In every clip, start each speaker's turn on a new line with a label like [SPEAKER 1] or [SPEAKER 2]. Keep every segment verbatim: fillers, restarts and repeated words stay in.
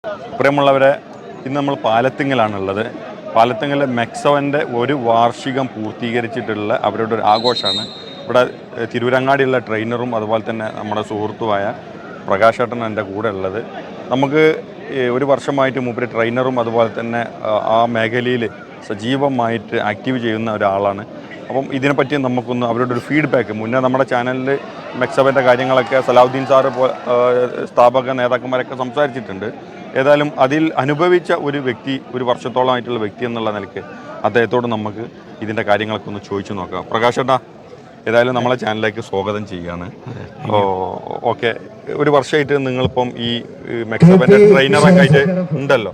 [SPEAKER 1] പ്രിയമുള്ളവരെ, ഇന്ന് നമ്മൾ പാലത്തിങ്ങലാണുള്ളത്. പാലത്തിങ്ങൽ മെക്സവൻ്റെ ഒരു വാർഷികം പൂർത്തീകരിച്ചിട്ടുള്ള അവരുടെ ഒരു ആഘോഷമാണ്. ഇവിടെ തിരൂരങ്ങാടിയുള്ള ട്രെയിനറും അതുപോലെ തന്നെ നമ്മുടെ സുഹൃത്തുമായ പ്രകാശേട്ടൻ എൻ്റെ കൂടെ ഉള്ളത്. നമുക്ക് ഒരു വർഷമായിട്ട് മൂപ്പര് ട്രെയിനറും അതുപോലെ തന്നെ ആ മേഖലയിൽ സജീവമായിട്ട് ആക്റ്റീവ് ചെയ്യുന്ന ഒരാളാണ്. അപ്പം ഇതിനെപ്പറ്റി നമുക്കൊന്ന് അവരുടെ ഒരു ഫീഡ്ബാക്ക്, മുന്നേ നമ്മുടെ ചാനലിൽ മെക്സവൻ്റെ കാര്യങ്ങളൊക്കെ സലാഹുദ്ദീൻ സാറ് സ്ഥാപക നേതാക്കന്മാരൊക്കെ സംസാരിച്ചിട്ടുണ്ട്. ഏതായാലും അതിൽ അനുഭവിച്ച ഒരു വ്യക്തി, ഒരു വർഷത്തോളമായിട്ടുള്ള വ്യക്തി എന്നുള്ള നിലയ്ക്ക് അദ്ദേഹത്തോട് നമുക്ക് ഇതിൻ്റെ കാര്യങ്ങളൊക്കെ ഒന്ന് ചോദിച്ചു നോക്കാം. പ്രകാശേട്ടാ, ഏതായാലും നമ്മളെ ചാനലിലേക്ക് സ്വാഗതം ചെയ്യുകയാണ്. ഓക്കെ, ഒരു വർഷമായിട്ട് നിങ്ങളിപ്പം ഈ മെക്സവൻ്റെ ട്രെയിനറൊക്കെ ആയിട്ട് ഉണ്ടല്ലോ,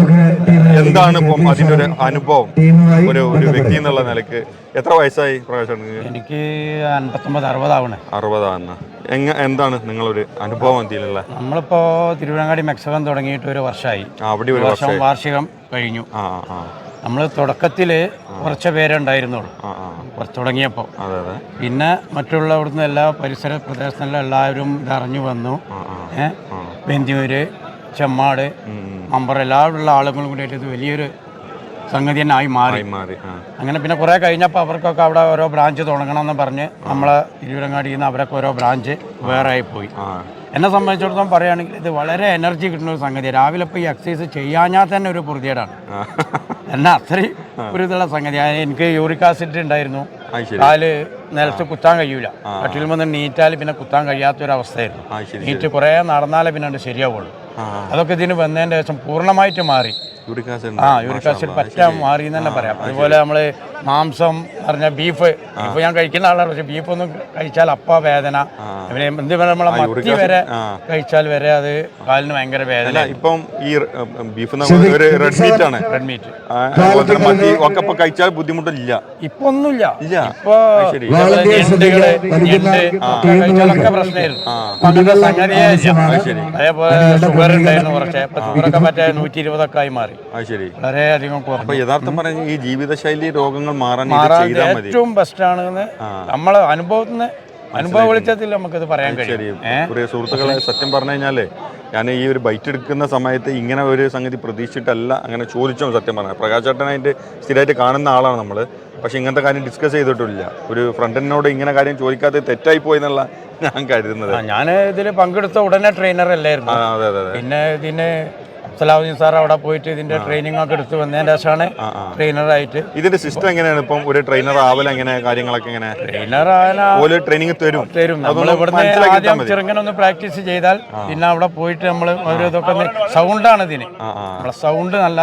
[SPEAKER 1] എന്താണ് ഇപ്പം അതിൻ്റെ ഒരു അനുഭവം ഒരു ഒരു വ്യക്തി എന്നുള്ള നിലയ്ക്ക്? എത്ര വയസ്സായി പ്രകാശേട്ടന്?
[SPEAKER 2] എനിക്ക് അൻപത്തൊമ്പത് അറുപതാവണേ.
[SPEAKER 1] അറുപതാണ്. എങ്ങ എന്താണ് നിങ്ങളൊരു അനുഭവം ഇതിലുള്ള?
[SPEAKER 2] നമ്മളിപ്പോ തിരുവനങ്ങാടി മെക്സവൻ തുടങ്ങിയിട്ട് ഒരു വർഷമായി.
[SPEAKER 1] അവിടെ ഒരു വർഷം
[SPEAKER 2] വാർഷികം കഴിഞ്ഞു.
[SPEAKER 1] ആ ആ
[SPEAKER 2] നമ്മൾ തുടക്കത്തിൽ കുറച്ച് പേരെ ഉണ്ടായിരുന്നുള്ളൂ തുടങ്ങിയപ്പോൾ. പിന്നെ മറ്റുള്ള ഇവിടുന്ന് എല്ലാ പരിസര പ്രദേശങ്ങളിലും എല്ലാവരും ഇതറിഞ്ഞു വന്നു. ഏഹ് ബെന്തിയൂര്, ചെമ്മാട്, മമ്പറ എല്ലാവരുള്ള ആളുകളും കൂടിയിട്ട് ഇത് വലിയൊരു സംഗതി തന്നെ ആയി മാറി മാറി അങ്ങനെ പിന്നെ കുറേ കഴിഞ്ഞപ്പോൾ അവർക്കൊക്കെ അവിടെ ഓരോ ബ്രാഞ്ച് തുടങ്ങണമെന്ന് പറഞ്ഞ് നമ്മളെ തിരുവരങ്ങാടിയിൽ നിന്ന് അവരൊക്കെ ഓരോ ബ്രാഞ്ച് വേറെ ആയിപ്പോയി. എന്നെ സംബന്ധിച്ചിടത്തോളം പറയുകയാണെങ്കിൽ ഇത് വളരെ എനർജി കിട്ടുന്ന ഒരു സംഗതിയാണ്. രാവിലെ ഇപ്പോൾ ഈ എക്സസൈസ് ചെയ്യാഞ്ഞാൽ തന്നെ ഒരു പൊറുതിയേടാണ്. എന്നെ അത്രയും ഒരു ഇതുള്ള സംഗതിയാണ്. എനിക്ക് യൂറിക് ആസിഡ് ഉണ്ടായിരുന്നു, കാല് നിലത്ത് കുത്താൻ കഴിയൂല. കട്ടിൽ വന്ന് നീറ്റാൽ പിന്നെ കുത്താൻ കഴിയാത്തൊരവസ്ഥയായിരുന്നു. നീറ്റ് കുറേ നടന്നാലേ പിന്നെ അത് ശരിയാവുള്ളൂ. അതൊക്കെ ഇതിന് വന്നതിൻ്റെ ശേഷം പൂർണ്ണമായിട്ട് മാറി. ആ യൂറിക് ആസിഡ് പറ്റാൻ മാറി എന്ന് തന്നെ പറയാം. അതുപോലെ നമ്മൾ മാംസം പറഞ്ഞ ബീഫ്, ബീഫ് ഞാൻ കഴിക്കുന്ന ആളാണ്. പക്ഷെ ബീഫ് ഒന്നും കഴിച്ചാൽ അപ്പ വേദന, പിന്നെ എന്ത് നമ്മളെ മത്തി വരെ കഴിച്ചാൽ വരെ അത് കാലിന് ഭയങ്കര വേദന. ഇപ്പം ഈ ബീഫ് റെഡ് മീറ്റ് ആണ്, റെഡ് മീറ്റ് ഒക്കെ കഴിച്ചാൽ ബുദ്ധിമുട്ടില്ല. ഇപ്പൊ ഒന്നുമില്ല. ഇപ്പൊ ഞണ്ടുകള് ഞണ്ട് കഴിച്ചാലൊക്കെ പ്രശ്നമായിരുന്നു. അങ്ങനെ സംഗതിയേ ഇല്ല. അതേപോലെ ഷുഗർ ഉണ്ടായിരുന്നു കുറച്ച്. ഇപ്പൊ ഷുഗറൊക്കെ മറ്റേ നൂറ്റി ഇരുപതൊക്കെ ആയി മാറി. വളരെയധികം
[SPEAKER 1] യഥാർത്ഥം പറഞ്ഞ ഈ ജീവിതശൈലി രോഗങ്ങൾ മാറാൻ
[SPEAKER 2] ഏറ്റവും ബെസ്റ്റ് ആണെന്ന് നമ്മളെ അനുഭവത്തിന് അനുഭവ വെളിച്ചത്തിൽ നമുക്കത് പറയാൻ കഴിയും.
[SPEAKER 1] സുഹൃത്തുക്കളെ, സത്യം പറഞ്ഞു കഴിഞ്ഞാലേ ഞാൻ ഈ ഒരു ബൈറ്റ് എടുക്കുന്ന സമയത്ത് ഇങ്ങനെ ഒരു സംഗതി പ്രതീക്ഷിച്ചിട്ടല്ല അങ്ങനെ ചോദിച്ചോ. സത്യം പറഞ്ഞാൽ പ്രകാശേട്ടനായിട്ട് സ്ഥിരമായിട്ട് കാണുന്ന ആളാണ് നമ്മൾ. പക്ഷെ ഇങ്ങനത്തെ കാര്യം ഡിസ്കസ് ചെയ്തിട്ടില്ല. ഒരു ഫ്രണ്ടിനോട് ഇങ്ങനെ കാര്യം ചോദിക്കാതെ തെറ്റായി പോയി എന്നുള്ള ഞാൻ കരുതുന്നത്.
[SPEAKER 2] ഞാൻ ഇതിൽ പങ്കെടുത്ത ഉടനെ ട്രെയിനർ അല്ലായിരുന്നു.
[SPEAKER 1] അതെ അതെ.
[SPEAKER 2] പിന്നെ ഇതിന് സലാഹുദ്ദീൻ സാർ അവിടെ പോയിട്ട് ഇതിന്റെ ട്രെയിനിങ് ഒക്കെ എടുത്ത് വന്നതിന് ശേഷമാണ് ട്രെയിനറായിട്ട്.
[SPEAKER 1] ഇതിന്റെ സിസ്റ്റം എങ്ങനെയാണ്? ഇപ്പം ഒരു ട്രെയിനർ ആവല എങ്ങനെ കാര്യങ്ങളൊക്കെ എങ്ങനെ?
[SPEAKER 2] ട്രെയിനർ ട്രെയിനിങ് തരും തരും നമ്മൾ ഇവിടുന്ന് ആദ്യം ചെറുങ്ങനെ ഒന്ന് പ്രാക്ടീസ് ചെയ്താൽ പിന്നെ അവിടെ പോയിട്ട് നമ്മൾ ഓരോ ഇതൊക്കെ സൗണ്ടാണ് ഇതിന്. നമ്മളെ സൗണ്ട് നല്ല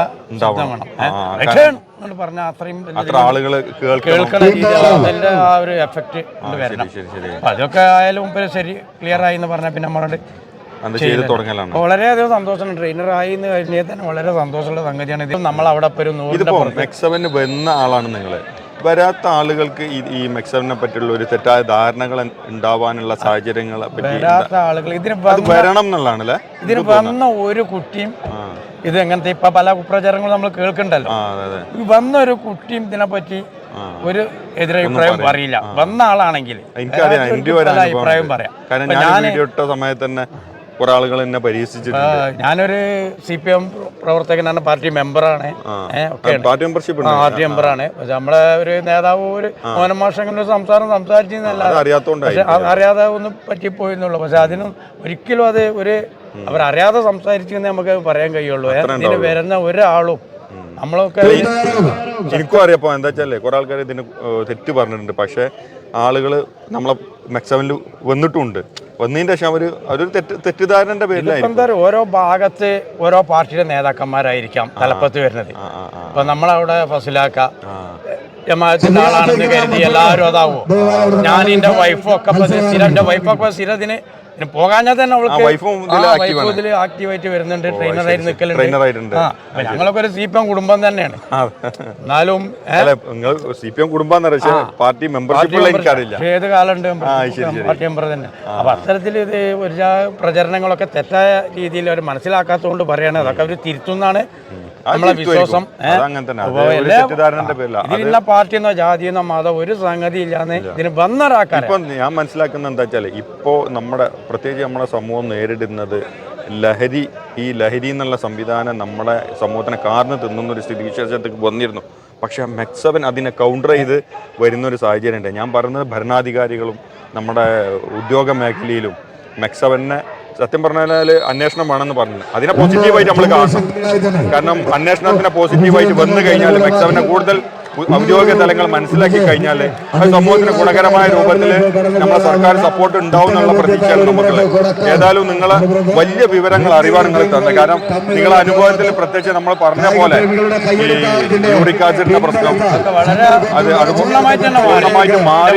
[SPEAKER 2] വേണം പറഞ്ഞ അത്രയും
[SPEAKER 1] ആളുകൾ
[SPEAKER 2] കേൾക്കണ രീതിയിൽ അതിന്റെ ആ ഒരു എഫക്റ്റ് വരണം. അതൊക്കെ ആയാലും ശരി ക്ലിയർ ആയി എന്ന് പറഞ്ഞാൽ പിന്നെ നമ്മളോട് വളരെയധികം സന്തോഷമാണ്. ട്രെയിനർ ആയി എന്ന് കഴിഞ്ഞാൽ തന്നെ വളരെ സന്തോഷമുള്ള സംഗതിയാണ്. ഇത് നമ്മൾ അവിടെ
[SPEAKER 1] മെക്സവന് വരുന്ന ആളാണ് നിങ്ങൾ. വരാത്ത ആളുകൾക്ക് ഈ മെക്സവനെ പറ്റിയുള്ള ഒരു തെറ്റായ ധാരണകൾ ഉണ്ടാവാനുള്ള സാഹചര്യങ്ങളെ പറ്റി
[SPEAKER 2] വരാത്ത ആളുകൾ ഇതിന്
[SPEAKER 1] വരണം എന്നുള്ളതാണല്ലേ.
[SPEAKER 2] ഇതിന് വന്ന ഒരു കുട്ടിയും ഇത് എങ്ങനത്തെ ഇപ്പൊ പല കുപ്രചാരങ്ങളും നമ്മൾ കേൾക്കണ്ടല്ലോ. വന്ന ഒരു കുട്ടിയും ഇതിനെപ്പറ്റി ഒരു എതിരഭിപ്രായം പറയില്ല. വന്ന ആളാണെങ്കിൽ
[SPEAKER 1] എനിക്കറിയാം, എന്റെ ഒരു
[SPEAKER 2] അഭിപ്രായം പറയാം.
[SPEAKER 1] കാരണം ഞാൻ വീഡിയോ ഇട്ട സമയത്ത് തന്നെ കുറെ ആളുകൾ എന്നെ പരീക്ഷിച്ചിട്ടുണ്ട്.
[SPEAKER 2] ഞാനൊരു സി പി എം പ്രവർത്തകനാണ്, പാർട്ടി മെമ്പറാണ്,
[SPEAKER 1] പാർട്ടി മെമ്പർഷിപ്പ്
[SPEAKER 2] പാർട്ടി മെമ്പറാണ്. പക്ഷെ നമ്മളെ ഒരു നേതാവ് ഒരു മോനമാഷങ്ങളുടെ സംസാരം സംസാരിച്ചെന്നല്ല,
[SPEAKER 1] അറിയാത്തോണ്ട്
[SPEAKER 2] അറിയാതെ ഒന്നും പറ്റിപ്പോയെന്നുള്ളൂ. പക്ഷെ അതിനും ഒരിക്കലും അത് ഒരു അവരറിയാതെ സംസാരിച്ചെന്ന് നമുക്ക് പറയാൻ കഴിയുള്ളൂ. ഇതിന് വരുന്ന ഒരാളും നമ്മളൊക്കെ
[SPEAKER 1] എനിക്കും അറിയപ്പോ എന്താ വെച്ചാലേ കുറെ ആൾക്കാർ ഇതിന് തെറ്റ് പറഞ്ഞിട്ടുണ്ട്. പക്ഷെ ആളുകൾ നമ്മളെ മെക്സവനിൽ വന്നിട്ടുണ്ട്. വന്നതിന്റെ ശേഷം ഒരു അതൊരു തെറ്റ് തെറ്റിദ്ധാരണന്റെ പേരിലായിരിക്കും.
[SPEAKER 2] ഓരോ ഭാഗത്ത് ഓരോ പാർട്ടിയുടെ നേതാക്കന്മാരായിരിക്കാം തലപ്പത്ത് വരുന്നത്. അപ്പൊ നമ്മളവിടെ ഫസിലാക്ക ജമാഅത്തിന്റെ ആളാണെന്ന് കരുതി എല്ലാവരും അതാവോ. ഞാൻ എന്റെ വൈഫും ഒക്കെ സ്ഥിരം എന്റെ വൈഫൊക്കെ സ്ഥിരം ഇതിന് പോകാഞ്ഞാൽ തന്നെ അവൾക്ക് ആക്റ്റീവായിട്ട് വരുന്നുണ്ട്. ട്രെയിനറായിട്ട് നിൽക്കലുണ്ട്. ഞങ്ങളൊക്കെ ഒരു സി പി എം കുടുംബം തന്നെയാണ്. എന്നാലും
[SPEAKER 1] സി പി എം കുടുംബം പാർട്ടി മെമ്പർഷിപ്പ്
[SPEAKER 2] ഏത് കാലമുണ്ട് പാർട്ടി മെമ്പർ തന്നെ. അപ്പൊ അത്തരത്തിൽ ഇത് ഒരു പ്രചരണങ്ങളൊക്കെ തെറ്റായ രീതിയിൽ അവർ മനസ്സിലാക്കാത്തതുകൊണ്ട് പറയാണ്. അതൊക്കെ അവർ തിരുത്തുന്നാണ് നമ്മളെ വിശ്വാസം. ഇതിലുള്ള പാർട്ടിയെന്നോ ജാതിയെന്നോ മതം ഒരു സംഗതി ഇല്ലാന്ന് ഇതിന് വന്നൊരാക്കാൻ
[SPEAKER 1] ഇപ്പൊ ഞാൻ മനസ്സിലാക്കുന്ന എന്താ വെച്ചാല് ഇപ്പോ നമ്മുടെ പ്രത്യേകിച്ച് നമ്മുടെ സമൂഹം നേരിടുന്നത് ലഹരി ഈ ലഹരി എന്നുള്ള സംവിധാനം നമ്മുടെ സമൂഹത്തിനെ കാർന്ന് തിന്നുന്ന ഒരു സ്ഥിതിവിശേഷത്തേക്ക് വന്നിരുന്നു. പക്ഷേ മെക്സവൻ അതിനെ കൗണ്ടർ ചെയ്ത് വരുന്നൊരു സാഹചര്യം ഉണ്ട്. ഞാൻ പറയുന്നത് ഭരണാധികാരികളും നമ്മുടെ ഉദ്യോഗ മേഖലയിലും മെക്സവനെ സത്യം പറഞ്ഞാൽ അന്വേഷണം വേണമെന്ന് പറഞ്ഞു. അതിനെ പോസിറ്റീവായിട്ട് നമ്മൾ കാണണം. കാരണം അന്വേഷണത്തിനെ പോസിറ്റീവായിട്ട് വന്നു കഴിഞ്ഞാൽ മെക്സവനെ കൂടുതൽ ഔദ്യോഗിക തലങ്ങൾ മനസ്സിലാക്കി കഴിഞ്ഞാൽ അത് സമൂഹത്തിന് ഗുണകരമായ രൂപത്തിൽ നമ്മുടെ സർക്കാർ സപ്പോർട്ട് ഉണ്ടാവും എന്നുള്ള പ്രതീക്ഷയാണ് നമുക്കുള്ളത്. ഏതായാലും നിങ്ങളെ വലിയ വിവരങ്ങൾ അറിവാൻ നിങ്ങൾ തന്നത്. കാരണം നിങ്ങളെ അനുഭവത്തിൽ പ്രത്യേകിച്ച് നമ്മൾ പറഞ്ഞ പോലെ ഈ യൂറിക് ആസിഡിന്റെ പ്രശ്നം അത് അത് പൂർണ്ണമായിട്ട് മാറി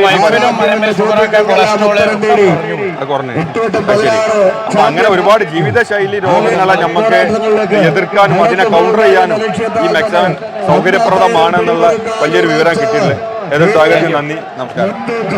[SPEAKER 1] അത് കുറഞ്ഞു. ശരി. അപ്പൊ അങ്ങനെ ഒരുപാട് ജീവിതശൈലി രോഗങ്ങളെ നമുക്ക് എതിർക്കാനും അതിനെ കൗണ്ടർ ചെയ്യാനും ഈ മെക്സവൻ സൗകര്യപ്രദമാണെന്നുള്ള വലിയൊരു വിവരം കിട്ടിയിട്ടുണ്ട്. ഏതൊരു സാഹചര്യം നന്ദി, നമസ്കാരം.